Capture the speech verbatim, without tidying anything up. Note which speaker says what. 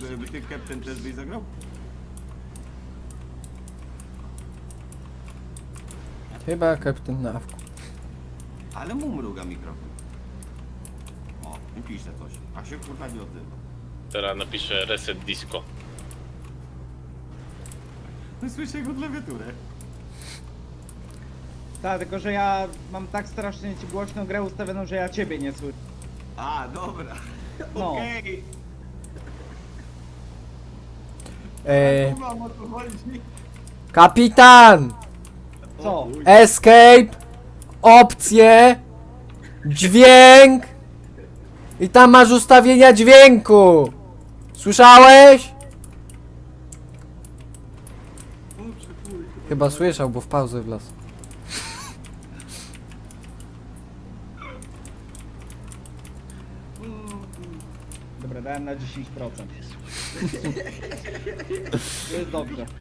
Speaker 1: by ty Captain też byś zagrał?
Speaker 2: Chyba kapitan na awku.
Speaker 1: Ale mu mruga mikrofon. O, i pisze coś. A się kurwa nie odzywa.
Speaker 3: Teraz napiszę reset disco.
Speaker 1: No słyszę jego klawiaturę.
Speaker 4: Tak, tylko że ja mam tak strasznie ci głośną grę ustawioną, że ja ciebie nie słyszę.
Speaker 1: A, dobra.
Speaker 4: No.
Speaker 1: Okej.
Speaker 2: Eee,
Speaker 1: Okay. Mam o co chodzi.
Speaker 2: kapitan!
Speaker 4: Co?
Speaker 2: Escape! Opcje! Dźwięk! I tam masz ustawienia dźwięku! Słyszałeś? Chyba słyszał, bo w pauzę wlazł.
Speaker 4: Dobra, dałem na dziesięć procent. To jest dobrze.